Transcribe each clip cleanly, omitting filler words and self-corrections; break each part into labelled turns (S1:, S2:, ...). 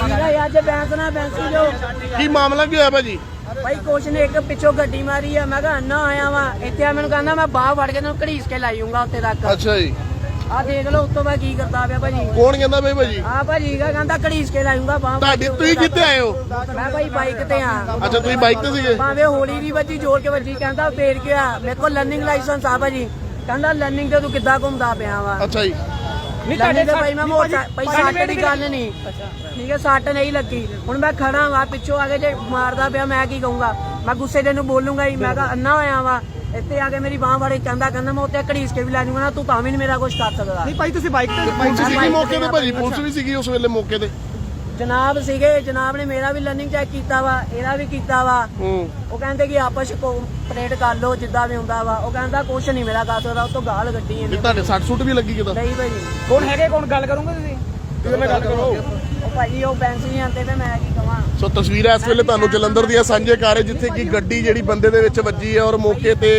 S1: ਅੱਜ ਬੈਂਸ ਨਾ ਬੈਂਸੀ ਜੋ
S2: ਕੀ ਮਾਮਲਾ ਕੀ ਹੋਇਆ ਭਾਜੀ?
S1: ਭਾਈ ਕੁਛ ਨੇ ਇੱਕ ਪਿੱਛੋਂ ਗੱਡੀ ਮਾਰੀ ਆ, ਮੈਂ ਕਿਹਾ ਅੰਨਾ ਆਇਆ ਵਾ ਇੱਥੇ ਆ, ਮੈਨੂੰ ਕਹਿੰਦਾ ਮੈਂ ਬਾਹ ਫੜ ਕੇ ਤੈਨੂੰ ਘੜੀਸ ਕੇ ਲਾਈਉਂਗਾ ਉੱਥੇ ਤੱਕ।
S2: ਅੱਛਾ ਜੀ,
S1: ਆ ਦੇਖ ਲਓ ਉੱਤੋਂ ਮੈਂ ਕੀ ਕਰਦਾ ਪਿਆ ਭਾਜੀ।
S2: ਕੌਣ ਕਹਿੰਦਾ ਬਈ ਭਾਜੀ?
S1: ਆ ਭਾਜੀ ਕਹਿੰਦਾ ਘੜੀਸ ਕੇ ਲਾਈਉਂਗਾ ਬਾਹ।
S2: ਤੁਹਾਡੀ ਤੁਸੀਂ ਕਿੱਥੇ ਆਏ ਹੋ?
S1: ਮੈਂ ਭਾਈ ਬਾਈਕ ਤੇ ਆ।
S2: ਅੱਛਾ ਤੁਸੀਂ ਬਾਈਕ ਤੇ ਸੀਗੇ?
S1: ਭਾਵੇਂ ਹੋਲੀ ਦੀ ਵੱਜੀ ਜੋਰ ਕੇ ਵੱਜੀ, ਕਹਿੰਦਾ ਫੇਰ ਗਿਆ ਮੇਰੇ ਕੋਲ ਲਰਨਿੰਗ ਲਾਇਸੈਂਸ ਆ ਭਾਜੀ। ਕਹਿੰਦਾ ਲਰਨਿੰਗ ਤੇ ਤੂੰ ਕਿੱਦਾਂ ਘੁੰਮਦਾ ਪਿਆ ਵਾ?
S2: ਅੱਛਾ ਜੀ,
S1: ਨਹੀਂ ਤੁਹਾਡੇ ਭਾਈ ਮੈਂ ਮੋਟਾ ਭਾਈ ਸੱਟ ਦੀ ਗੱਲ ਨਹੀਂ ਠੀਕ ਹੈ, ਸੱਟ ਨਹੀਂ ਲੱਗੀ। ਹੁਣ ਮੈਂ ਖੜਾ ਵਾ ਪਿੱਛੋਂ ਆ ਕੇ ਜੇ ਮਾਰਦਾ ਪਿਆ ਮੈਂ ਕੀ ਕਹੂੰਗਾ? ਮੈਂ ਗੁੱਸੇ ਦੇ ਨੂੰ ਬੋਲੂੰਗਾ ਹੀ। ਮੈਂ ਕਿਹਾ ਅੰਨਾ ਹੋਇਆ ਵਾ ਇੱਥੇ ਆ ਕੇ ਮੇਰੀ ਬਾਹ ਫੜੇ, ਕਹਿੰਦਾ ਮੈਂ ਉੱਤੇ ਘੜੀਸ ਕੇ ਵੀ ਲੈ ਜਾਊਂਗਾ ਨਾ, ਤੂੰ ਤਾਂ ਵੀ ਨਹੀਂ ਮੇਰਾ ਕੁਝ ਕਰ ਸਕਦਾ।
S3: ਨਹੀਂ ਭਾਈ ਤੁਸੀਂ ਬਾਈਕ ਤੇ
S2: ਪੁਲਿਸ ਸੀਗੀ ਮੌਕੇ ਤੇ ਭਾਜੀ? ਪੁਲਿਸ ਵੀ ਸੀਗੀ ਉਸ ਵੇਲੇ ਮੌਕੇ ਤੇ?
S1: ਜਨਾਬ ਸੀਗੇ, ਜਨਾਬ ਨੇ ਮੇਰਾ ਵੀ ਲਰਨਿੰਗ ਚੈੱਕ ਕੀਤਾ ਵਾ, ਇਹਦਾ ਵੀ ਕੀਤਾ ਵਾ। ਉਹ ਕਹਿੰਦੇ ਕਿ ਆਪਸ ਕੋਆਪਰੇਟ ਕਰ ਲਓ ਜਿੱਦਾਂ ਵੀ ਹੁੰਦਾ ਵਾ। ਉਹ ਕਹਿੰਦਾ ਕੁਛ ਨਹੀਂ ਮੇਰਾ ਕਰ ਸਕਦਾ, ਉਹ ਤੋਂ ਗਾਲ ਕੱਢੀ ਇਹਨੇ।
S2: ਤੁਹਾਡੇ ਸੱਟ ਸੁੱਟ ਵੀ ਲੱਗੀ ਕਿਦਾਂ?
S1: ਨਹੀਂ ਭਾਜੀ।
S3: ਕੌਣ ਹੈਗੇ, ਕੌਣ ਗੱਲ ਕਰੋਗੇ ਤੁਸੀਂ?
S2: ਕਿਹਦੇ ਨਾਲ ਗੱਲ ਕਰੋ?
S1: ਉਹ ਭਾਜੀ ਉਹ ਬੈਂਸ ਨਹੀਂ ਆਂਦੇ ਤੇ ਮੈਂ ਕੀ ਕਵਾਂ।
S2: ਸੋ ਤਸਵੀਰਾਂ ਇਸ ਵੇਲੇ ਤੁਹਾਨੂੰ ਜਲੰਧਰ ਦੀਆਂ ਸਾਂਝੇ ਕਰ ਰਹੇ, ਜਿੱਥੇ ਕਿ ਗੱਡੀ ਜਿਹੜੀ ਬੰਦੇ ਦੇ ਵਿੱਚ ਵੱਜੀ ਹੈ ਔਰ ਮੌਕੇ ਤੇ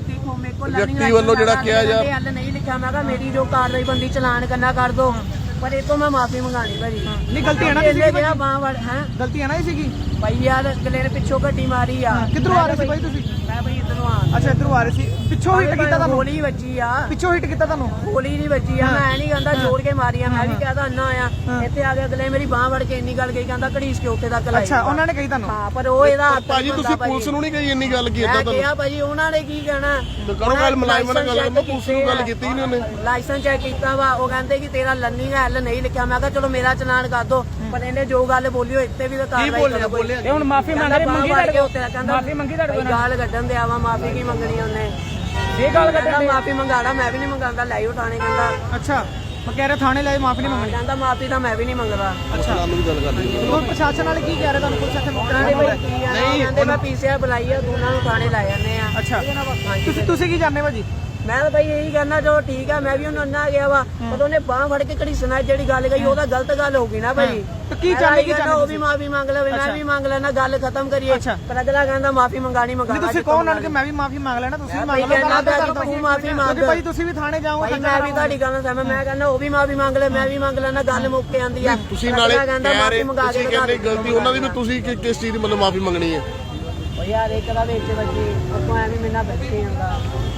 S2: ਵਿਅਕਤੀ ਵੱਲੋਂ ਜਿਹੜਾ ਕਿਹਾ ਜਾ
S1: ਹੱਲ ਨਹੀਂ ਲਿਖਿਆ। ਮੈਂ ਕਿਹਾ ਮੇਰੀ ਜੋ ਕਾਰਵਾਈ ਬੰਦੀ ਚਲਾਨ ਕਰਨਾ ਕਰ ਦੋ, ਪਰ ਇਹ ਤੋਂ ਮੈਂ ਮਾਫੀ ਮੰਗਾਣੀ ਭਾਜੀ।
S3: ਨਹੀਂ ਗਲਤੀ ਹੈ ਨਾ
S1: ਇਹਨੇ ਬਾਹ ਵੜ ਹੈ,
S3: ਗਲਤੀ ਹੈ ਨਾ ਇਹ ਸੀਗੀ
S1: ਭਾਈ ਯਾਰ ਅਗਲੇ ਨੇ ਪਿੱਛੋਂ ਗੱਡੀ ਮਾਰੀ ਆ।
S3: ਕਿੱਧਰੋਂ ਆ ਰਹੇ ਸੀ ਭਾਈ ਤੁਸੀਂ?
S1: ਮੈਂ ਭਾਈ ਇੱਧਰੋਂ ਆ।
S3: ਅੱਛਾ ਇੱਧਰੋਂ ਆ ਰਹੇ ਸੀ, ਪਿੱਛੋਂ ਹਿੱਟ ਕੀਤਾ ਤੁਹਾਨੂੰ?
S1: ਗੋਲੀ ਵੱਜੀ ਆ।
S3: ਪਿੱਛੋਂ ਹਿੱਟ ਕੀਤਾ ਤੁਹਾਨੂੰ?
S1: ਗੋਲੀ ਨਹੀਂ ਵੱਜੀ ਆ, ਮੈਂ ਨਹੀਂ ਕਹਿੰਦਾ ਜੋੜ ਕੇ ਮਾਰੀ ਆ। ਮੈਂ ਵੀ ਕਹਦਾ ਅੰਨਾ ਆਇਆ ਇੱਥੇ ਆ ਕੇ ਅਗਲੇ ਮੇਰੀ ਬਾਹ ਵੜ ਕੇ ਇੰਨੀ ਗੱਲ ਕਹੀ, ਕਹਿੰਦਾ ਘੜੀਸ ਕੇ ਉੱਥੇ ਤੱਕ ਲਾਈ।
S3: ਅੱਛਾ ਉਹਨਾਂ ਨੇ ਕਹੀ ਤੁਹਾਨੂੰ?
S1: ਹਾਂ ਪਰ ਉਹ ਇਹਦਾ
S2: ਭਾਜੀ ਤੁਸੀਂ ਪੁਲਿਸ ਨੂੰ ਨਹੀਂ ਕਹੀ ਇੰਨੀ ਗੱਲ ਕੀ ਏਦਾਂ
S1: ਮੈਂ
S2: ਤੁਹਾਨੂੰ?
S1: ਕਿਹਾ ਭਾਜੀ ਉਹਨਾਂ ਨੇ ਕੀ ਕਹਿਣਾ?
S2: ਕਰੋ ਗੱਲ, ਮੁਲਾਜ਼ਮਾਂ ਨਾਲ ਗੱਲ ਕਰੋ। ਪੁਲਿਸ ਨੂੰ ਗੱਲ ਕੀਤੀ ਨਹੀਂ ਉਹਨੇ?
S1: ਲਾਇਸੈਂਸ ਚੈੱਕ ਕੀਤਾ ਵਾ, ਉਹ ਕਹਿੰਦੇ ਕਿ ਤੇਰਾ ਲਰਨਿੰਗ ਐਲ ਨਹੀਂ ਲਿਖਿਆ। ਮੈਂ ਕਿਹਾ ਚਲੋ ਮੇਰਾ ਚਲਾਨ ਕਰ ਦੋ, ਪਰ ਇਹਨੇ ਜੋ ਗੱਲ ਬੋਲੀ ਉਹ ਇੱਥੇ ਵੀ ਤਾਂ ਕਾਰਵਾਈ ਕਰੋ।
S3: ਇਹ ਹੁਣ ਮਾਫੀ ਮੰਗ ਰਹੇ, ਮੰਗੀ
S1: ਤੁਹਾਡੇ ਕੋਲ? ਕਹਿੰਦਾ
S3: ਮਾਫੀ ਮੰਗੀ ਤੁਹਾਡੇ ਕੋਲ?
S1: ਗਾਲ ਕੱਢਣ ਦੇ ਆਵਾ, ਮਾਫੀ ਕੀ ਮੰਗਣੀ ਉਹਨੇ?
S3: ਇਹ ਗੱਲ ਕੱਢਣ
S1: ਮਾਫੀ ਮੰਗਾੜਾ, ਮੈਂ ਵੀ ਨਹੀਂ ਮੰਗਾਂਦਾ, ਲੈ ਉਠਾਣੇ ਕਹਿੰਦਾ।
S3: ਅੱਛਾ ਮੈਂ ਕਹਿ ਰਿਹਾ ਥਾਣੇ ਲਾਏ ਮਾਫੀ ਨਹੀਂ ਮੰਗਣੀ?
S1: ਕਹਿੰਦਾ ਮਾਫੀ ਤਾਂ ਮੈਂ ਵੀ ਨਹੀਂ ਮੰਗਦਾ।
S3: ਅੱਛਾ
S2: ਵੀ ਗੱਲ ਕਰਨੀ
S3: ਹੁਣ ਪ੍ਰਸ਼ਾਸਨ ਵਾਲੇ ਕੀ ਕਹਿ ਰਹੇ ਤੁਹਾਨੂੰ? ਪੁਲਿਸ ਇੱਥੇ ਮੌਕੇ
S1: ਨਹੀਂ
S3: ਤੇ
S1: ਕਹਿੰਦੇ ਮੈਂ ਪੀਸੀਆਰ ਬੁਲਾਈ ਆ, ਦੋਨਾਂ ਨੂੰ ਥਾਣੇ ਲੈ ਜਾਂਦੇ ਆ।
S3: ਅੱਛਾ ਤੁਸੀਂ ਕੀ ਜਾਣਦੇ ਭਾਜੀ?
S1: ਮੈਂ ਤਾਂ ਭਾਈ ਇਹੀ ਕਹਿਣਾ ਚਲੋ ਠੀਕ ਆ, ਮੈਂ ਵੀ ਉਹਨੂੰ ਅੰਨਾ ਗਿਆ ਵਾ, ਪਰ ਉਹਨੇ ਬਾਹ ਫੜ ਕੇ ਘੜੀਸਣਾ ਜਿਹੜੀ ਗੱਲ ਕਹੀ ਉਹ ਤਾਂ ਗਲਤ ਗੱਲ ਹੋ ਗਈ ਨਾ ਭਾਈ।
S3: ਕੀ ਚਾਹੁੰਦੇ ਕੀ
S1: ਉਹ ਵੀ ਮਾਫੀ ਮੰਗ ਲਵੇ, ਮੈਂ ਵੀ ਮੰਗ ਲੈਣਾ, ਗੱਲ ਖਤਮ ਕਰੀਏ। ਪਰ ਅਗਲਾ ਕਹਿੰਦਾ ਮਾਫੀ ਮੰਗਾਣੀ ਮੰਗਾਣਾ।
S3: ਤੁਸੀਂ ਕੌਣ ਆਣ ਕੇ ਮੈਂ ਵੀ ਮਾਫੀ ਮੰਗ ਲੈਣਾ, ਤੁਸੀਂ ਮੰਗ
S1: ਲਓ। ਤੂੰ ਮਾਫੀ ਮੰਗ
S3: ਭਾਈ, ਤੁਸੀਂ ਵੀ ਥਾਣੇ ਜਾਓਗੇ।
S1: ਮੈਂ ਵੀ ਤੁਹਾਡੀ ਗੱਲ ਨਾਲ ਸਹਿਮਤ, ਮੈਂ ਕਹਿੰਦਾ ਉਹ ਵੀ ਮਾਫੀ ਮੰਗ ਲੈ, ਮੈਂ ਵੀ ਮੰਗ ਲੈਣਾ, ਗੱਲ ਮੁੱਕ ਕੇ ਆਂਦੀ ਆ।
S2: ਤੁਸੀਂ ਨਾਲੇ
S1: ਕਹਿੰਦਾ ਮਾਫੀ ਮੰਗਾ
S2: ਤੁਸੀਂ
S1: ਕੇ
S2: ਕਹਿੰਦੇ ਗਲਤੀ ਉਹਨਾਂ ਦੀ ਵੀ, ਤੁਸੀਂ ਕਿਸ ਚੀਜ਼ ਦੀ ਮਤਲਬ ਮਾਫੀ ਮੰਗਣੀ ਹੈ?
S1: ਉਹ ਯਾਰ ਇੱਕ ਦਾ ਵਿੱਚ ਵੱਜੀ, ਉੱਥੋਂ ਐਵੇਂ ਮੇਰੇ ਨਾਲ ਬੈਠੇ ਜਾਂਦਾ।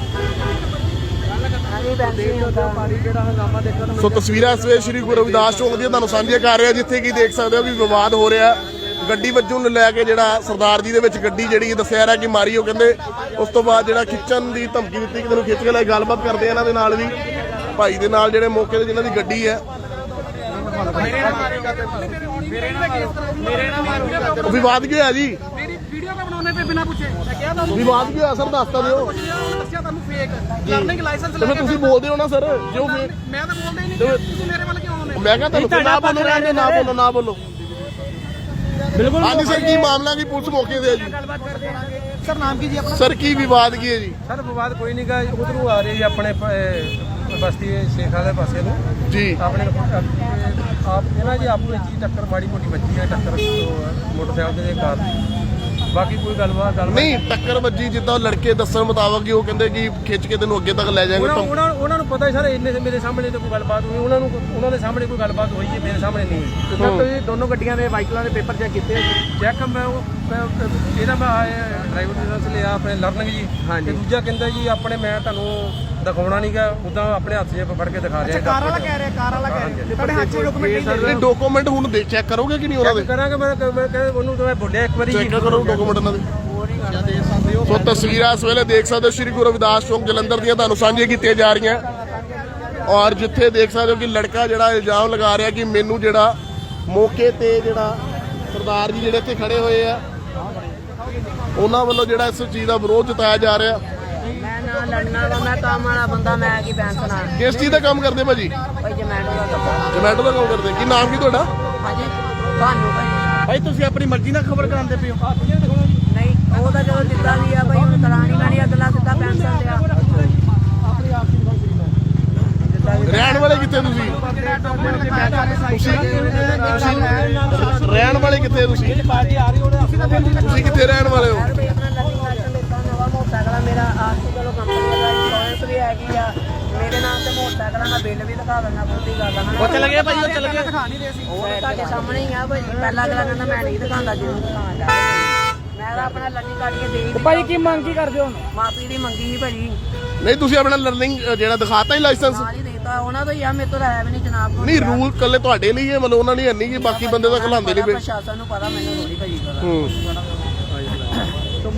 S2: ਸੋ ਤਸਵੀਰਾਂ ਇਸ ਵੇਲੇ ਸ਼੍ਰੀ ਗੁਰੂ ਰਵਿਦਾਸ ਚੌਂਕ ਦੀਆਂ ਤੁਹਾਨੂੰ ਸਾਂਝੀਆਂ ਕਰ ਰਿਹਾ, ਜਿੱਥੇ ਕਿ ਦੇਖ ਸਕਦੇ ਹੋ ਵੀ ਵਿਵਾਦ ਹੋ ਰਿਹਾ ਗੱਡੀ ਵੱਜੋਂ ਨੂੰ ਲੈ ਕੇ। ਜਿਹੜਾ ਸਰਦਾਰ ਜੀ ਦੇ ਵਿੱਚ ਗੱਡੀ ਜਿਹੜੀ ਦੱਸਿਆ ਰਿਹਾ ਕਿ ਮਾਰੀ, ਉਹ ਕਹਿੰਦੇ ਉਸ ਤੋਂ ਬਾਅਦ ਜਿਹੜਾ ਖਿੱਚਣ ਦੀ ਧਮਕੀ ਦਿੱਤੀ ਕਿ ਤੈਨੂੰ ਖਿੱਚ ਕੇ ਲੈ। ਗੱਲਬਾਤ ਕਰਦੇ ਆ ਇਹਨਾਂ ਦੇ ਨਾਲ ਵੀ, ਭਾਈ ਦੇ ਨਾਲ ਜਿਹੜੇ ਮੌਕੇ ਤੇ ਜਿਨ੍ਹਾਂ ਦੀ ਗੱਡੀ ਹੈ। ਵਿਵਾਦ ਕੀ ਹੋਇਆ ਜੀ?
S3: ਵੀਡੀਓ ਕਾ ਬਣਾਉਣੇ ਤੇ ਬਿਨਾ ਪੁੱਛੇ ਮੈਂ ਕਿਹਾ ਤੁਹਾਨੂੰ
S2: ਵਿਵਾਦ ਕੀ ਹੋਇਆ ਸਰ, ਦੱਸਤਾ ਦਿਓ।
S3: ਦੱਸਿਆ ਤੁਹਾਨੂੰ ਫੇਕ ਲਰਨਿੰਗ ਲਾਇਸੈਂਸ
S2: ਤੇ ਤੁਸੀਂ ਬੋਲਦੇ ਹੋ ਨਾ ਸਰ, ਜੋ
S3: ਮੈਂ ਤਾਂ ਬੋਲਦਾ ਹੀ ਨਹੀਂ, ਤੁਸੀਂ ਮੇਰੇ ਵੱਲ ਕਿਉਂ ਆਉਂਦੇ?
S2: ਮੈਂ ਕਿਹਾ ਤੁਹਾਨੂੰ ਨਾ ਬੋਲੋ, ਨਾ ਬੋਲੋ। ਬਿਲਕੁਲ। ਹਾਂਜੀ ਸਰ, ਕੀ ਮਾਮਲਾ ਕੀ ਪੁਲਿਸ ਮੌਕੇ ਤੇ ਹੈ ਜੀ?
S3: ਸਰ ਨਾਮ ਕੀ ਜੀ ਆਪਣਾ?
S2: ਸਰ ਕੀ ਵਿਵਾਦ ਕੀ ਹੈ ਜੀ?
S4: ਸਰ ਵਿਵਾਦ ਕੋਈ ਨਹੀਂਗਾ, ਉਧਰੋਂ ਆ ਰਹੇ ਜੀ ਆਪਣੇ ਬਸਤੀ ਸ਼ੇਖਾਂ ਦੇ ਪਾਸੇ ਨੂੰ
S2: ਜੀ।
S4: ਆਪਣੇ ਆਪ ਇਹਨਾਂ ਜੀ ਆਪਣੀ ਚੀਜ਼ ਟੱਕਰ ਮਾੜੀ ਮੋਟੀ ਵੱਜੀ ਹੈ, ਟੱਕਰ ਮੋਟਰਸਾਈਕਲ ਦੇ ਕਾਰ। ਬਾਕੀ ਕੋਈ ਗੱਲਬਾਤ
S2: ਨਹੀਂ, ਟੱਕਰ ਵੱਜੀ ਜਿੱਦਾਂ ਲੜਕੇ ਦੱਸਣ ਮੁਤਾਬਕ ਹੀ, ਉਹ ਕਹਿੰਦੇ ਕਿ ਖਿੱਚ ਕੇ ਤੈਨੂੰ ਅੱਗੇ ਤੱਕ ਲੈ ਜਾਵਾਂਗੇ।
S4: ਉਹਨਾਂ ਨੂੰ ਪਤਾ ਸਰ, ਇੰਨੇ ਮੇਰੇ ਸਾਹਮਣੇ ਤਾਂ ਕੋਈ ਗੱਲਬਾਤ ਹੋਈ, ਉਹਨਾਂ ਦੇ ਸਾਹਮਣੇ ਕੋਈ ਗੱਲਬਾਤ ਹੋਈ ਹੈ, ਮੇਰੇ ਸਾਹਮਣੇ ਨਹੀਂ ਹੋਈ।
S3: ਸਰ ਤੁਸੀਂ ਦੋਨੋਂ ਗੱਡੀਆਂ ਦੇ ਵਾਹੀਕਲਾਂ ਦੇ ਪੇਪਰ ਚੈੱਕ ਕੀਤੇ?
S4: ਚੈੱਕ ਮੈਂ ਇਹਦਾ ਮੈਂ ਡਰਾਈਵਰ ਲਾਇਸੈਂਸ ਲਿਆ ਆਪਣੇ ਲਰਨਿੰਗ ਜੀ, ਤੇ ਦੂਜਾ ਕਹਿੰਦਾ ਜੀ ਆਪਣੇ ਮੈਂ ਤੁਹਾਨੂੰ ਦਿਖਾਉਣਾ ਨਹੀਂਗਾ, ਉਦਾਂ ਆਪਣੇ ਹੱਥ 'ਚ ਫੜ ਕੇ ਦਿਖਾ ਰਿਹਾ।
S3: ਕਾਰ ਵਾਲਾ ਕਹਿ ਰਿਹਾ, ਕਾਰ ਵਾਲਾ ਕਹਿ ਰਿਹਾ ਤੁਹਾਡੇ ਹੱਥ 'ਚ ਡਾਕੂਮੈਂਟ ਨਹੀਂ?
S2: ਡਾਕੂਮੈਂਟ ਹੁਣ ਚੈੱਕ ਕਰੋਗੇ ਕਿ ਨਹੀਂ ਉਹਨਾਂ ਦੇ?
S4: ਕਰਾਂਗੇ, ਮੈਂ ਕਹਿੰਦਾ ਉਹਨੂੰ ਤਾਂ ਮੈਂ ਬੋਲਿਆ ਇੱਕ ਵਾਰੀ
S2: ਚੈੱਕ ਕਰੋ ਡਾਕੂਮੈਂਟ ਉਹਨਾਂ ਦੇ। ਸੋ ਤਸਵੀਰਾਂ ਇਸ ਵੇਲੇ ਦੇਖ ਸਕਦੇ ਹੋ ਸ਼੍ਰੀ ਗੁਰੂ ਰਵਿਦਾਸ ਚੌਂਕ ਜਲੰਧਰ ਦੀਆਂ ਤੁਹਾਨੂੰ ਸਾਂਝੀਆਂ ਕੀਤੀਆਂ ਜਾ ਰਹੀਆਂ, ਔਰ ਜਿੱਥੇ ਦੇਖ ਸਕਦੇ ਹੋ ਕਿ ਲੜਕਾ ਜਿਹੜਾ ਇਲਜ਼ਾਮ ਲਗਾ ਰਿਹਾ ਕਿ ਮੈਨੂੰ ਜਿਹੜਾ ਮੌਕੇ ਤੇ ਜਿਹੜਾ ਸਰਦਾਰ ਜੀ ਜਿਹੜੇ ਇੱਥੇ ਖੜੇ ਹੋਏ ਆ, ਉਹਨਾਂ ਵੱਲੋਂ ਜਿਹੜਾ ਇਸ ਚੀਜ਼ ਦਾ ਵਿਰੋਧ ਜਤਾਇਆ ਜਾ ਰਿਹਾ।
S1: ਮੈਂ ਨਾ ਲੜਨਾ ਵਾ, ਮੈਂ ਕੰਮ ਵਾਲਾ ਬੰਦਾ, ਮੈਂ ਕੀ ਪੈਂਸਣਾ।
S2: ਕਿਸ ਚੀਜ਼ ਦਾ ਕੰਮ ਕਰਦੇ ਭਾਜੀ?
S1: ਭਾਈ ਜਮੈਟੋ ਦਾ ਕੰਮ।
S2: ਜਮੈਟੋ ਦਾ ਕੰਮ ਕਰਦੇ। ਕੀ ਨਾਮ ਕੀ ਤੁਹਾਡਾ?
S1: ਹਾਂਜੀ ਤੁਹਾਨੂੰ
S3: ਭਾਈ ਤੁਸੀਂ ਆਪਣੀ ਮਰਜ਼ੀ ਨਾਲ ਖਬਰ ਕਰਾਉਂਦੇ ਪਏ ਹੋ?
S1: ਨਹੀਂ, ਉਹ ਤਾਂ ਚਲੋ ਜਿੱਦਾਂ ਵੀ ਆ ਭਾਈ, ਹੁਣ ਕਰਾਣੀ ਪੈਣੀ, ਅਗਲਾ ਸਿੱਧਾ ਪੈਂਸਣ ਲਿਆ।
S2: ਰਹਿਣ ਵਾਲੇ ਕਿੱਥੇ ਤੁਸੀਂ? ਰਹਿਣ ਵਾਲੇ ਕਿੱਥੇ ਤੁਸੀਂ? ਤੁਸੀਂ ਕਿੱਥੇ ਰਹਿਣ ਵਾਲੇ ਹੋ?
S1: ਆਪਣਾ ਲਰਨਿੰਗ ਲਾਇਸੈਂਸ ਦਿੱਤਾ, ਨਵਾਂ ਮੋਟਰਸਾਈਕਲ ਮੇਰਾ ਆਪ ਚਲੋ ਕੰਪਨੀ ਦਾ ਇੰਸ਼ੋਰੈਂਸ ਵੀ ਹੈਗੀ ਆ, ਮੇਰੇ ਨਾਮ ਤੇ ਮੋਟਰਸਾਈਕਲ ਦਾ ਬਿੱਲ ਵੀ ਦਿਖਾ ਦਿੰਦਾ ਬਹੁਤੀ ਗੱਲ ਆ
S3: ਉਹ ਚਲੇ ਗਏ ਭਾਈ, ਉਹ ਚਲੇ ਗਏ।
S1: ਦਿਖਾ ਨਹੀਂ ਰਹੇ ਸੀ ਉਹ ਤੁਹਾਡੇ ਸਾਹਮਣੇ ਹੀ ਆ ਭਾਈ। ਪਹਿਲਾਂ ਅਗਲਾ ਕਹਿੰਦਾ ਮੈਂ ਨਹੀਂ ਦਿਖਾਉਂਦਾ, ਜ਼ਰੂਰ ਦਿਖਾਉਂਦਾ। ਮੈਂ ਤਾਂ ਆਪਣਾ ਲੱਗੀ ਕੱਢ ਕੇ ਦੇ ਹੀ
S3: ਭਾਈ ਕੀ ਮੰਗ ਕੀ ਕਰਦੇ ਹੋ?
S1: ਮਾਫੀ ਦੀ ਮੰਗੀ ਸੀ ਭਾਜੀ,
S2: ਨਹੀਂ ਤੁਸੀਂ ਆਪਣਾ ਲਰਨਿੰਗ ਜਿਹੜਾ ਦਿਖਾਤਾ ਹੀ ਲਾਇਸੈਂਸ?
S1: ਨਾਲ ਹੀ ਦੇਤਾ ਉਹਨਾਂ ਤੋਂ ਹੀ ਆ, ਮੇਰੇ ਤੋਂ ਹੈ ਵੀ ਨਹੀਂ ਜਨਾਬ ਕੋਲ।
S2: ਨਹੀਂ ਰੂਲ ਕੱਲੇ ਤੁਹਾਡੇ ਲਈ ਹੈ, ਮਤਲਬ ਉਹਨਾਂ ਨੇ ਨਹੀਂ ਕਿ ਬਾਕੀ ਬੰਦੇ ਤਾਂ ਖਲਾਉਂਦੇ ਨਹੀਂ ਪਏ।
S1: ਪ੍ਰਸ਼ਾਸਨ ਨੂੰ ਪਤਾ, ਮੈਨੂੰ ਥੋੜੀ ਭਾਜੀ ਪਤਾ।
S2: ਸੋ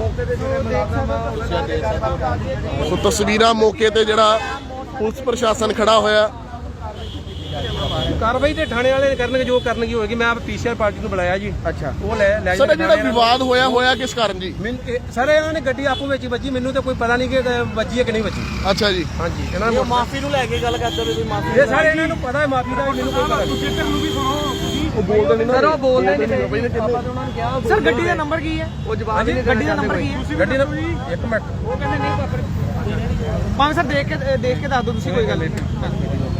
S2: ਤਸਵੀਰਾਂ ਮੌਕੇ ਤੇ ਜਿਹੜਾ ਪੁਲਿਸ ਪ੍ਰਸ਼ਾਸਨ ਖੜਾ ਹੋਇਆ।
S4: ਕਾਰਵਾਈ ਤੇ ਥਾਣੇ ਵਾਲੇ ਕਰਨਗੇ ਜੋ ਕਰਨਗੀ ਹੋਏਗੀ। ਮੈਂ ਆਪ ਪੀਸੀਆਰ ਪਾਰਟੀ ਨੂੰ ਬੁਲਾਇਆ ਜੀ।
S3: ਅੱਛਾ,
S4: ਉਹ ਲੈ
S2: ਸਰ ਇਹ ਜਿਹੜਾ ਵਿਵਾਦ ਹੋਇਆ ਕਿਸ ਕਾਰਨ ਜੀ?
S4: ਸਰ ਇਹਨਾਂ ਨੇ ਗੱਡੀ ਆਪੋ ਵਿੱਚ ਹੀ ਵੱਜੀ, ਮੈਨੂੰ ਤਾਂ ਕੋਈ ਪਤਾ ਨਹੀਂ ਕਿ ਵੱਜੀ ਹੈ ਕਿ ਨਹੀਂ ਵੱਜੀ।
S2: ਅੱਛਾ ਜੀ।
S4: ਹਾਂਜੀ, ਇਹਨਾਂ ਨੇ
S3: ਮਾਫੀ ਨੂੰ ਲੈ ਕੇ ਗੱਲ ਕਰਦੇ ਵੀ ਮਾਫੀ।
S4: ਇਹ ਸਾਰੇ ਇਹਨਾਂ ਨੂੰ ਪਤਾ ਹੈ ਮਾਫੀ ਦਾ, ਮੈਨੂੰ ਕੋਈ ਪਤਾ ਨਹੀਂ।
S2: ਉਹ ਬੋਲਦੇ ਨਹੀਂ ਨਾ
S3: ਸਰ, ਉਹ ਬੋਲਦੇ ਨਹੀਂ
S2: ਪਏ ਨੇ ਕਿੰਨੇ।
S3: ਸਰ ਗੱਡੀ ਦਾ ਨੰਬਰ ਕੀ ਹੈ? ਉਹ ਜਵਾਬ ਨਹੀਂ। ਗੱਡੀ ਦਾ ਨੰਬਰ ਕੀ ਹੈ?
S4: ਗੱਡੀ ਦਾ ਇੱਕ ਮਿੰਟ,
S3: ਉਹ ਕਹਿੰਦੇ ਨਹੀਂ ਪਾਪਾ। ਭਾਵੇਂ ਸਰ ਦੇਖ ਕੇ ਦੱਸ ਦਿਓ ਤੁਸੀਂ, ਕੋਈ ਗੱਲ ਨਹੀਂ।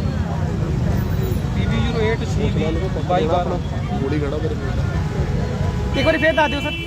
S4: PV08 CV 2212।
S2: ਗੋਲੀ ਖੜਾ ਮੇਰੇ ਕੋਲ।
S3: ਇੱਕ ਵਾਰੀ ਫੇਰ ਦੱਸ ਦਿਓ ਸਰ।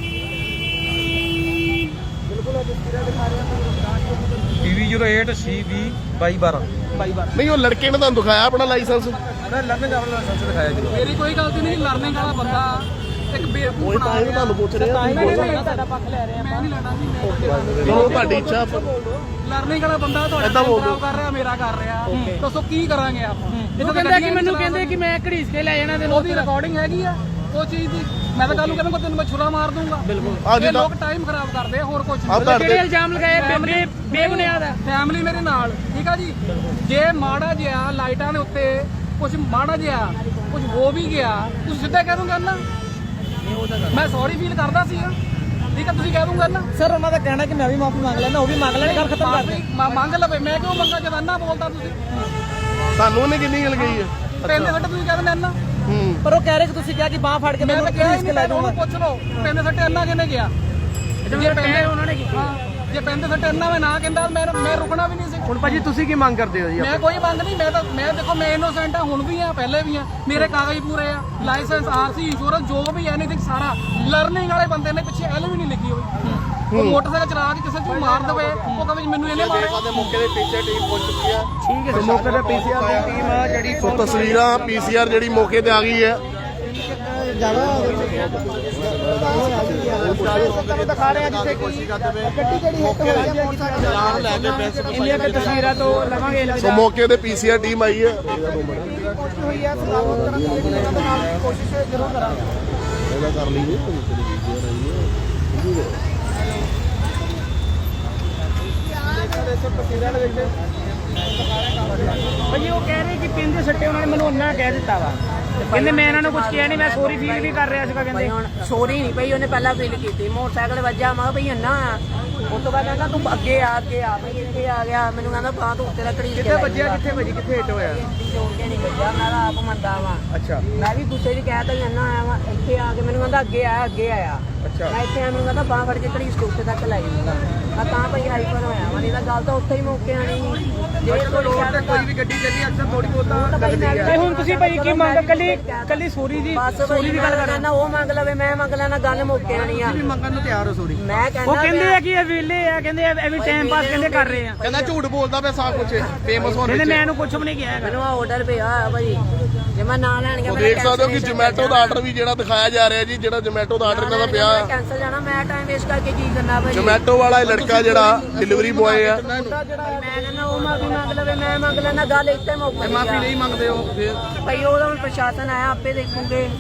S4: PV08 CV 2212।
S2: ਨਹੀਂ ਉਹ ਲੜਕੇ ਨੇ ਤੁਹਾਨੂੰ ਦਿਖਾਇਆ ਆਪਣਾ ਲਾਇਸੈਂਸ?
S4: ਮੈਂ ਲਰਨਿੰਗ ਆਪਣਾ ਲਾਇਸੈਂਸ ਦਿਖਾਇਆ ਜੀ।
S3: ਮੇਰੀ ਕੋਈ ਗਲਤੀ ਨਹੀਂ, ਲਰਨਿੰਗ ਵਾਲਾ ਬੰਦਾ ਇੱਕ ਬੇਵਕੂਫ
S2: ਕੋਈ ਤਾਂ ਹੀ ਤੁਹਾਨੂੰ ਪੁੱਛ ਰਿਹਾ।
S3: ਸਾਡਾ ਪੱਖ ਲੈ ਰਿਹਾ। ਮੈਂ ਨਹੀਂ ਲੈਣਾ ਜੀ,
S2: ਚਲੋ ਤੁਹਾਡੀ ਇੱਛਾ।
S3: ਲਰਨਿੰਗ ਵਾਲਾ ਬੰਦਾ
S2: ਏਦਾਂ
S3: ਤੁਹਾਡਾ
S2: ਬੋਲ
S3: ਖਰਾਬ ਕਰ ਰਿਹਾ, ਮੇਰਾ ਕਰ ਰਿਹਾ। ਦੱਸੋ ਕੀ ਕਰਾਂਗੇ ਆਪਾਂ? ਇਹ ਕਹਿੰਦਾ ਕਿ ਮੈਨੂੰ ਕਹਿੰਦੇ ਕਿ ਮੈਂ ਘੜੀਸ ਕੇ ਲੈ ਜਾਣਾ ਤੇ ਉਹਦੀ ਰਿਕਾਰਡਿੰਗ ਹੈਗੀ ਆ ਉਹ ਚੀਜ਼ ਦੀ। ਮੈਂ ਤਾਂ ਕੱਲ ਨੂੰ ਕਹਿੰਦਾ ਤੈਨੂੰ ਮੈਂ ਛੁਰਾ ਮਾਰ ਦੂੰਗਾ। ਬਿਲਕੁਲ ਇਹ ਲੋਕ ਟਾਈਮ ਖਰਾਬ ਕਰਦੇ ਆ, ਹੋਰ ਕੁਝ ਨਹੀਂ। ਕਿਹੜੇ ਇਲਜ਼ਾਮ ਲਗਾਏ ਬੇਬੁਨਿਆਦ ਹੈ? ਫੈਮਿਲੀ ਮੇਰੇ ਨਾਲ, ਠੀਕ ਆ ਜੀ। ਜੇ ਮਾੜਾ ਜਿਹਾ ਲਾਈਟਾਂ ਦੇ ਉੱਤੇ ਕੁਝ ਮਾੜਾ ਜਿਹਾ ਕੁਝ ਹੋ ਵੀ ਗਿਆ, ਤੁਸੀਂ ਸਿੱਧਾ ਕਹਿ ਦੂੰਗਾ ਨਾ ਮੈਂ ਸੌਰੀ ਫੀਲ ਕਰਦਾ ਸੀ, ਠੀਕ ਆ। ਤੁਸੀਂ ਕਹਿ ਦੂੰਗਾ ਨਾ ਸਰ। ਉਹਨਾਂ ਦਾ ਕਹਿਣਾ ਕਿ ਮੈਂ ਵੀ ਮਾਫੀ ਮੰਗ ਲੈਣਾ, ਉਹ ਵੀ ਮੰਗ ਲੈਣ, ਗੱਲ ਖਤਮ ਕਰ ਦੇ। ਮੰਗ ਲਵੇ, ਮੈਂ ਕਿਉਂ ਮੰਗਾ ਜਦ ਅੰਨਾ ਬੋਲਦਾ ਤੁਸੀਂ?
S2: ਤੁਹਾਨੂੰ ਉਹਨੇ ਕਿੰਨੀ ਗੱਲ ਕਹੀ ਹੈ?
S3: ਪੈਂਦੇ ਸੱਟੇ ਤੁਸੀਂ ਕਹਿੰਦੇ ਅੰਨਾ, ਪਰ ਉਹ ਕਹਿ ਰਹੇ ਕਿ ਤੁਸੀਂ ਕਿਹਾ ਕਿ ਬਾਹ ਫੜ ਕੇ ਮੈਂ ਕਿਹਾ ਇਸ ਕੇ ਲੈ ਜਾਊਂਗਾ। ਪੁੱਛ ਲਓ ਪੈਂਦੇ ਸੱਟੇ ਅੰਨਾ ਕਿਹਨੇ ਗਿਆ? ਜੇ ਪੈਂਦੇ ਉਹਨਾਂ ਨੇ ਕੀਤਾ, ਜੇ ਪੈਂਦੇ ਸੱਟੇ ਅੰਨਾ ਮੈਂ ਨਾ ਕਹਿੰਦਾ ਮੈਂ ਰੁਕਣਾ ਵੀ ਨਹੀਂ ਸੀ।
S4: ਹੁਣ ਭਾਜੀ ਤੁਸੀਂ ਕੀ ਮੰਗ ਕਰਦੇ ਹੋ ਜੀ?
S3: ਮੈਂ ਕੋਈ ਮੰਗ ਨਹੀਂ, ਮੈਂ ਦੇਖੋ ਮੈਂ ਇਨੋਸੈਂਟ ਆ, ਹੁਣ ਵੀ ਆ, ਪਹਿਲੇ ਵੀ ਆ। ਮੇਰੇ ਕਾਗਜ਼ ਪੂਰੇ ਆ, ਲਾਇਸੈਂਸ, ਆਰਸੀ, ਇੰਸ਼ੋਰੈਂਸ, ਜੋ ਵੀ ਐਨੀਥਿੰਗ ਸਾਰਾ। ਲਰਨਿੰਗ ਵਾਲੇ ਬੰਦੇ ਨੇ ਪਿੱਛੇ ਐਲ ਵੀ ਨਹੀਂ ਲਿਖੀ ਹੋਈ। ਉਹ ਮੋਟਰਸਾਈਕਲ ਚਲਾ ਕੇ ਕਿਸੇ ਨੂੰ ਮਾਰ ਦੇਵੇ, ਉਹ ਕਹੇ ਮੈਨੂੰ ਇਹਨੇ ਮਾਰਿਆ।
S2: ਦੇ ਮੌਕੇ ਦੇ ਪੀਸੀਆਰ ਟੀਮ ਪਹੁੰਚ ਚੁੱਕੀ ਹੈ।
S3: ਠੀਕ ਹੈ, ਮੌਕੇ ਤੇ ਪੀਸੀਆਰ ਦੀ ਟੀਮ ਆ ਜਿਹੜੀ
S2: ਸੋ ਤਸਵੀਰਾਂ ਪੀਸੀਆਰ ਜਿਹੜੀ ਮੌਕੇ ਤੇ ਆ ਗਈ ਹੈ।
S3: ਦਿਖਾ ਰਹੇ ਆ ਜਿੱਥੇ ਗੱਡੀ ਜਿਹੜੀ ਹਿੱਟ ਹੋਈ ਹੈ ਮੋਟਰਸਾਈਕਲ ਲੈ ਕੇ ਇੰਨੀਆਂ ਕਿ ਤਸਵੀਰਾਂ ਤੋਂ ਲਵਾਂਗੇ।
S2: ਸੋ ਮੌਕੇ ਤੇ ਪੀਸੀਆਰ ਟੀਮ ਆਈ ਹੈ।
S3: ਕੋਸ਼ਿਸ਼ ਹੋਈ ਹੈ ਸਲਾਮਤ ਕਰਨ ਦੀ, ਜਿਹੜੀ ਇਹਨਾਂ ਦੇ ਨਾਲ ਕੋਸ਼ਿਸ਼ ਜ਼ਰੂਰ ਕਰਾਂਗੇ।
S2: ਇਹਦਾ ਕਰ ਲਈਏ।
S3: ਭਾਜੀ ਉਹ ਕਹਿ ਰਹੇ ਕਿ ਪਿੰਦੇ ਸੱਟੇ ਉਹਨਾਂ ਨੇ ਮੈਨੂੰ ਉਹਨਾਂ ਕਹਿ ਦਿੱਤਾ ਵਾ। ਕਹਿੰਦੇ ਮੈਂ ਇਹਨਾਂ ਨੂੰ ਕੁਝ ਕਿਹਾ ਨਹੀਂ, ਮੈਂ ਸੌਰੀ ਫੀਲ ਵੀ ਕਰ ਰਿਹਾ ਸੀਗਾ। ਕਹਿੰਦੇ
S1: ਹੁਣ ਸੋਰੀ ਨਹੀਂ ਪਈ, ਉਹਨੇ ਪਹਿਲਾਂ ਫੀਲ ਕੀਤੀ। ਮੋਟਰਸਾਈਕਲ ਵੱਜਾ, ਮੈਂ ਕਿਹਾ ਭਈ ਅੰਨਾ ਆ। ਉਸ ਤੋਂ ਬਾਅਦ ਕਹਿੰਦਾ ਤੂੰ ਅੱਗੇ ਆ ਭਈ ਇੱਥੇ ਆ ਗਿਆ। ਮੈਨੂੰ ਕਹਿੰਦਾ ਬਾਹ ਤੂੰ ਉੱਤੇ ਰੱਖੜੀ
S3: ਕਿੱਥੇ ਵੱਜਿਆ, ਕਿੱਥੇ ਵੱਜੀ, ਕਿੱਥੇ ਹਿੱਟ ਹੋਇਆ?
S1: ਜੋੜ ਕੇ ਨਹੀਂ ਵੱਜਿਆ, ਮੈਂ ਤਾਂ ਆਪ ਮੰਨਦਾ ਵਾਂ।
S3: ਅੱਛਾ,
S1: ਮੈਂ ਵੀ ਗੁੱਸੇ 'ਚ ਕਹਿ ਤਾ ਅੰਨਾ ਆਇਆ ਵਾ। ਇੱਥੇ ਆ ਕੇ ਮੈਨੂੰ ਕਹਿੰਦਾ ਅੱਗੇ ਆਇਆ।
S3: ਅੱਛਾ।
S1: ਮੈਂ ਇੱਥੇ ਆ, ਮੈਨੂੰ ਕਹਿੰਦਾ ਬਾਹ ਫੜ ਕੇ ਘੜੀ ਉੱਤੇ ਤੱਕ ਲੈ ਜਾਊਗਾ। ਮੈਂ ਤਾਂ ਭਈ ਹਾਈਪਰ ਹੋਇਆ ਵਾ, ਨਹੀਂ ਤਾਂ ਗੱਲ ਤਾਂ ਉੱਥੇ ਹੀ ਮੌਕੇ ਆਣੀ ਸੀ। ਜੇ
S3: ਕੋਈ ਵੀ ਗੱਡੀ ਚੱਲੀ ਅਕਸਰ ਥੋੜੀ ਬਹੁਤਾ
S1: ਲੱਗਦੀ ਹੈ।
S3: ਹੁਣ ਤੁਸੀਂ ਭਾਈ ਕੀ ਮੰਗ? ਕੱਲੀ ਸੌਰੀ ਦੀ
S1: ਦੀ ਗੱਲ ਕਰਨਾ, ਉਹ ਮੰਗ ਲਵੇ, ਮੈਂ ਮੰਗ ਲੈਣਾ, ਗੱਲ ਮੌਕੇ ਆਣੀ ਆ।
S3: ਮੰਗਣ ਨੂੰ ਤਿਆਰ ਹੋ ਸੌਰੀ।
S1: ਮੈਂ ਕਹਿੰਦਾ
S3: ਉਹ ਕਹਿੰਦੇ ਆ ਕਿ ਇਹ ਵਿਹਲੇ ਆ, ਕਹਿੰਦੇ ਇਹ ਵੀ ਟਾਈਮ ਪਾਸ ਕਹਿੰਦੇ ਕਰ ਰਹੇ ਆ।
S2: ਕਹਿੰਦਾ ਝੂਠ ਬੋਲਦਾ ਪਿਆ ਸਾਰਾ ਕੁਝ ਫੇਮਸ ਹੋਣ
S3: ਕਹਿੰਦੇ
S2: ਵਿੱਚ।
S3: ਮੈਂ ਇਹਨੂੰ ਕੁਝ ਵੀ ਨਹੀਂ ਕਿਹਾ ਹੈਗਾ।
S1: ਮੈਨੂੰ ਆਰਡਰ ਪਿਆ ਹੋਇਆ ਭਾਜੀ, ਜੇ ਮੈਂ ਨਾ ਲੈਣ ਗਿਆ
S2: ਉਹ ਦੇਖ ਸਕਦੇ ਹੋ ਕਿ ਜੋਮੈਟੋ ਦਾ ਆਰਡਰ ਵੀ ਜਿਹੜਾ ਦਿਖਾਇਆ ਜਾ ਰਿਹਾ ਜੀ, ਜਿਹੜਾ ਜੋਮੈਟੋ ਦਾ ਆਰਡਰ ਇਹਨਾਂ ਦਾ ਪਿਆ।
S1: ਕੈਂਸਲ ਜਾਣਾ, ਮੈਂ ਟਾਈਮ ਵੇਸਟ ਕਰਕੇ ਕੀ ਕਰਨਾ ਭਾਜੀ?
S2: ਜੋਮੈਟੋ ਵਾਲਾ ਇਹ ਲੜਕਾ ਜਿਹੜਾ ਡਿਲੀਵਰੀ ਬॉय ਆ।
S1: ਮੈਂ ਕਹਿੰਦਾ ਉਹ ਮਾਫੀ ਮੰਗ ਲਵੇ, ਮੈਂ ਮੰਗ ਲੈਣਾ, ਗੱਲ ਇੱਥੇ ਮੁੱਕ
S3: ਮਾਫੀ ਨਹੀਂ ਮੰਗਦੇ ਹੋ ਫਿਰ?
S1: ਭਾਈ ਉਹਦਾ ਹੁਣ ਪ੍ਰਸ਼ਾਸਨ ਆਇਆ, ਆਪੇ ਦੇਖੂਗੇ।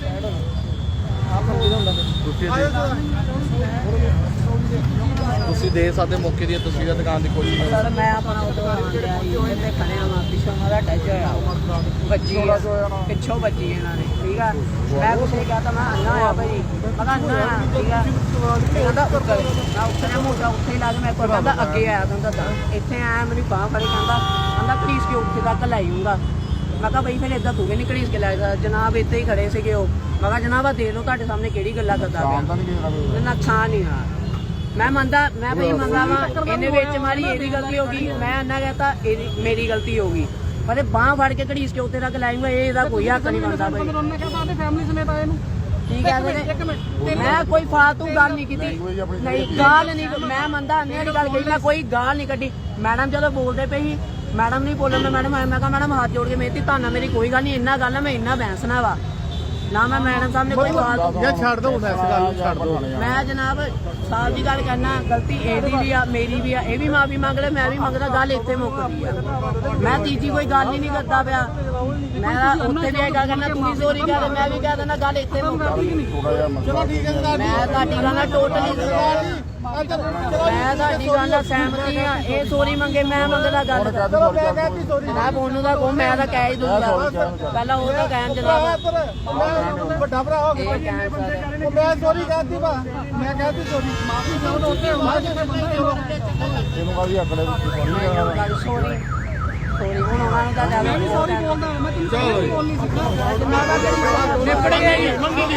S2: ਤੁਸੀਂ ਦੇ ਸਕਦੇ ਮੌਕੇ ਦੀਆਂ ਤਸਵੀਰਾਂ ਦਿਖਾਉਣ ਦੀ ਕੋਸ਼ਿਸ਼ ਕਰੋ।
S1: ਸਰ ਮੈਂ ਆਪਣਾ ਉਧਰ ਆਂਦਿਆ ਜੀ, ਇੱਥੇ ਖੜੇ ਆ, ਪਿੱਛੋਂ ਉਹਨਾਂ ਦਾ ਟੱਚ ਹੋਇਆ, ਵੱਜੀ ਪਿੱਛੋਂ ਵੱਜੀ ਇਹਨਾਂ ਨੇ, ਠੀਕ ਆ। ਮੈਂ ਕੁਛ ਨਹੀਂ ਕਹਤਾ, ਮੈਂ ਅੰਨਾ ਆ ਭਾਈ, ਮੈਂ ਕਿਹਾ ਅੰਨਾ ਆ, ਠੀਕ ਆ। ਕਹਿੰਦਾ ਉੱਤਰ, ਮੈਂ ਉੱਤਰਿਆ ਮੋਟਾ ਉੱਥੇ ਹੀ ਲਾ ਕੇ, ਮੈਂ ਕੋਲ ਕਹਿੰਦਾ ਅੱਗੇ ਆਇਆ ਤੁਹਾਨੂੰ ਦੱਸਾਂ। ਇੱਥੇ ਆਇਆ, ਮੇਰੀ ਬਾਂਹ ਫੜੀ, ਕਹਿੰਦਾ ਘੜੀਸ ਕੇ ਉੱਥੇ ਤੱਕ ਲੈ ਜਾਊਂਗਾ। ਮੈਂ ਕਿਹਾ ਬਈ ਫਿਰ ਏਦਾਂ ਤੂੰ ਵੀ ਨਹੀਂ ਘੜੀਸ ਕੇ ਲੈ ਜਾ। ਜਨਾਬ ਇੱਥੇ ਹੀ ਖੜੇ ਸੀਗੇ ਉਹ। ਮੈਂ ਕਿਹਾ ਜਨਾਬ ਆ ਦੇਖ ਲਓ ਤੁਹਾਡੇ ਸਾਹਮਣੇ ਕਿਹੜੀ ਗੱਲਾਂ ਕਰਦਾ ਪਿਆ। ਨੁਕਸਾਨ ਨਹੀਂ ਆ, ਮੈਂ ਮੰਨਦਾ, ਮੈਂ ਭਾਈ ਮੰਨਦਾ ਵਾ ਇਹਨੇ ਵਿੱਚ ਮਾਰੀ, ਇਹਦੀ ਗਲਤੀ ਹੋ ਗਈ। ਮੈਂ ਅੰਨਾ ਕਹਤਾ ਮੇਰੀ ਗਲਤੀ ਹੋ ਗਈ, ਪਰ ਬਾਂਹ ਫੜ ਕੇ ਘੜੀਸ ਕੇ ਉੱਤੇ ਤੱਕ ਲਾਇੰਗਾ, ਇਹਦਾ ਕੋਈ ਹੱਕ ਨਹੀਂ ਬਣਦਾ ਭਾਈ।
S3: ਫੈਮਿਲੀ ਸਮੇਤ ਆਏ ਨੂੰ
S1: ਠੀਕ ਹੈ ਮੈਂ ਕੋਈ ਫਾਲਤੂ ਗੱਲ ਨਹੀਂ ਕੀਤੀ, ਨਹੀਂ ਗਾਲ ਨਹੀਂ। ਮੈਂ ਮੰਨਦਾ ਅੰਨੇ ਵਾਲੀ ਗੱਲ ਕਹੀ, ਮੈਂ ਕੋਈ ਗਾਲ ਨਹੀਂ ਕੱਢੀ। ਮੈਡਮ ਜਦੋਂ ਬੋਲਦੇ ਪਈ ਸੀ ਮੈਡਮ ਨਹੀਂ ਬੋਲਣ ਮੈਂ ਮੈਡਮ ਮੈਂ ਕਿਹਾ ਮੈਡਮ ਹੱਥ ਜੋੜ ਕੇ ਮੇਰੀ ਧੰਨਾ ਮੇਰੀ ਕੋਈ ਗੱਲ ਨਹੀਂ ਇੰਨਾ ਗੱਲ ਹੈ ਮੈਂ ਇੰਨਾ ਬੈਂਸਣਾ ਵਾ ਨਾ ਮੈਂ ਮੈਡਮ ਸਾਹਮਣੇ ਕੋਈ ਬਾਤ
S5: ਛੱਡ ਦੋ ਇਸ ਗੱਲ ਨੂੰ ਛੱਡ ਦੋ
S1: ਮੈਂ ਜਨਾਬ ਸਾਫ ਦੀ ਗੱਲ ਕਹਿਣਾ ਗਲਤੀ ਇਹਦੀ ਵੀ ਆ ਮੇਰੀ ਵੀ ਆ ਇਹ ਵੀ ਮਾਫੀ ਮੰਗ ਲੈ ਮੈਂ ਵੀ ਮੰਗਦਾ ਗੱਲ ਇੱਥੇ ਮੁੱਕਦੀ ਆ ਮੈਂ ਤੀਜੀ ਕੋਈ ਗੱਲ ਹੀ ਨਹੀਂ ਕਰਦਾ ਪਿਆ ਮੈਂ ਉੱਥੇ ਵੀ ਇਹ ਗੱਲ ਕਰਨਾ ਤੂੰ ਵੀ ਸੋਰੀ ਕਹਿ ਮੈਂ ਵੀ ਕਹਿ ਦਿੰਦਾ ਗੱਲ ਇੱਥੇ ਮੁੱਕਦੀ ਮੈਂ ਤੁਹਾਡੀ ਗੱਲ ਨਾਲ ਟੋਟਲੀ ਮੈਂ ਤੁਹਾਡੀ ਗੱਲ ਨਾਲ ਸਹਿਮਤੀ ਆ ਇਹ ਸੋਰੀ ਮੰਗੇ ਮੈਂ ਮੰਗਦਾ ਗੱਲ ਮੈਂ ਬੋਲੂ ਦਾ ਕੋ ਮੈਂ ਤਾਂ ਕਹਿ ਹੀ ਦੂੰਗਾ ਪਹਿਲਾਂ ਉਹ ਤਾਂ ਕਹਿਣ ਜਨਾਬ
S5: ਵੱਡਾ ਭਰਾ ਹੋ ਗਿਆ ਮੈਂ ਸੋਰੀ ਕਹਿਤੀ ਬਾ ਮੈਂ ਕਹਿਤੀ ਸੋਰੀ ਮਾਫੀ ਚਾਹੋ ਉੱਥੇ ਇਹਨੂੰ ਕਾਹਦੀ ਅਕੜੇ
S1: ਸੋਰੀ ਸੋਰੀ ਹੁਣ ਉਹਨਾਂ ਦਾ
S3: ਮੈਂ ਵੀ ਸੌਰੀ ਬੋਲਦਾ ਮੈਂ ਤੈਨੂੰ ਸੌਰੀ ਬੋਲ ਨਹੀਂ ਸਕਦਾ
S1: ਨਿਪੜ ਗਿਆ ਜੀ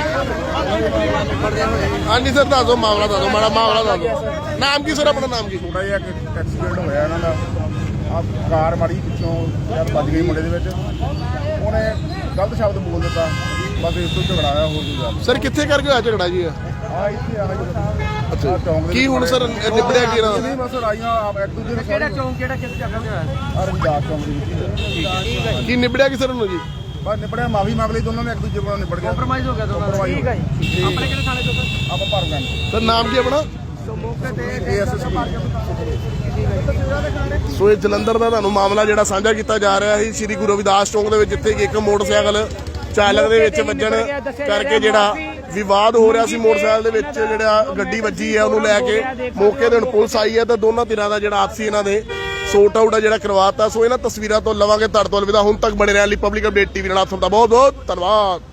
S2: ਹਾਂਜੀ ਸਰ ਦੱਸੋ ਮਾਮਲਾ ਦੱਸੋ ਮਾੜਾ ਮਾਮਲਾ ਦੱਸੋ ਨਾਮ ਕੀ ਸਰ ਆਪਣਾ ਨਾਮ ਕੀ
S5: ਥੋੜਾ ਜਿਹਾ ਇੱਕ ਐਕਸੀਡੈਂਟ ਹੋਇਆ ਇਹਨਾਂ ਦਾ ਆ ਕਾਰ ਮਾੜੀ ਪਿੱਛੋਂ ਯਾਰ ਵੱਜ ਗਈ ਮੁੰਡੇ ਦੇ ਵਿੱਚ ਉਹਨੇ ਗਲਤ ਸ਼ਬਦ ਬੋਲ ਦਿੱਤਾ ਬਸ ਇਸ ਤੋਂ ਝਗੜਾ ਆਇਆ ਹੋਰ ਕੋਈ ਗੱਲ
S2: ਸਰ ਕਿੱਥੇ ਕਰਕੇ ਹੋਇਆ ਝਗੜਾ ਜੀ
S5: ਆ ਇੱਥੇ ਆ
S2: ਅੱਛਾ
S5: ਚੌਂਕ ਦੇ
S2: ਕੀ ਹੁਣ ਸਰ ਨਿਬੜਿਆ ਕੀ ਇਹਨਾਂ ਦਾ
S5: ਨਹੀਂ ਬਸ ਰਾਈਆਂ ਇੱਕ ਦੂਜੇ ਨੂੰ ਕਿਹੜਾ ਚੌਂਕ ਕਿਹੜਾ ਕਿਸ ਜਗ੍ਹਾ ਤੇ ਹੋਇਆ ਰਵਿਦਾਸ ਚੌਂਕ ਦੇ ਵਿੱਚ
S2: ਕੀ ਨਿਬੜਿਆ ਕੀ ਸਰ ਨੂੰ ਜੀ
S5: ਬਸ ਨਿਬੜਿਆ ਮਾਫੀ ਮੰਗ ਲਈ ਦੋਨਾਂ ਨੇ ਇੱਕ ਦੂਜੇ ਕੋਲ ਨਿਬੜ ਗਿਆ ਕੰਪਰਮਾਈਜ਼ ਹੋ ਗਿਆ ਦੋਨਾਂ ਦਾ ਠੀਕ ਹੈ ਜੀ
S3: ਆਪਣੇ ਕਿਹੜੇ ਥਾਣੇ ਤੋਂ ਸਰ
S5: ਆਪਾਂ ਭਰ ਗਏ
S2: ਸਰ ਨਾਮ ਕੀ ਆਪਣਾ
S5: ਮੌਕੇ ਤੇ ਏਐਸਐਸਪੀ
S2: ਸੋ ਇਹ ਜਲੰਧਰ ਦਾ ਤੁਹਾਨੂੰ ਮਾਮਲਾ ਜਿਹੜਾ ਸਾਂਝਾ ਕੀਤਾ ਜਾ ਰਿਹਾ ਸੀ ਸ੍ਰੀ ਗੁਰੂ ਰਵਿਦਾਸ ਚੌਂਕ ਦੇ ਵਿੱਚ ਜਿੱਥੇ ਕਿ ਇੱਕ ਮੋਟਰਸਾਈਕਲ ਚਾਲਕ ਦੇ ਵਿੱਚ ਵੱਜਣ ਕਰਕੇ ਜਿਹੜਾ ਵਿਵਾਦ ਹੋ ਰਿਹਾ ਸੀ ਮੋਟਰਸਾਈਕਲ ਦੇ ਵਿੱਚ ਜਿਹੜਾ ਗੱਡੀ ਵੱਜੀ ਹੈ ਉਹਨੂੰ ਲੈ ਕੇ ਮੌਕੇ ਤੇ ਹੁਣ ਪੁਲਿਸ ਆਈ ਹੈ ਤਾਂ ਦੋਨਾਂ ਧਿਰਾਂ ਦਾ ਜਿਹੜਾ ਆਪਸੀ ਇਹਨਾਂ ਦੇ ਸੋਰਟ ਆਊਟ ਜਿਹੜਾ ਕਰਵਾਤਾ ਸੋ ਇਹਨਾਂ ਤਸਵੀਰਾਂ ਤੋਂ ਲਵਾਂਗੇ ਤੁਹਾਡੇ ਤੋਂ ਅਲਵਿਦਾ ਹੁਣ ਤੱਕ ਬਣੇ ਰਹਿਣ ਲਈ ਪਬਲਿਕ ਅਪਡੇਟ ਟੀਵੀ ਨਾਲ ਆਪ ਸਭ ਦਾ ਬਹੁਤ ਬਹੁਤ ਧੰਨਵਾਦ।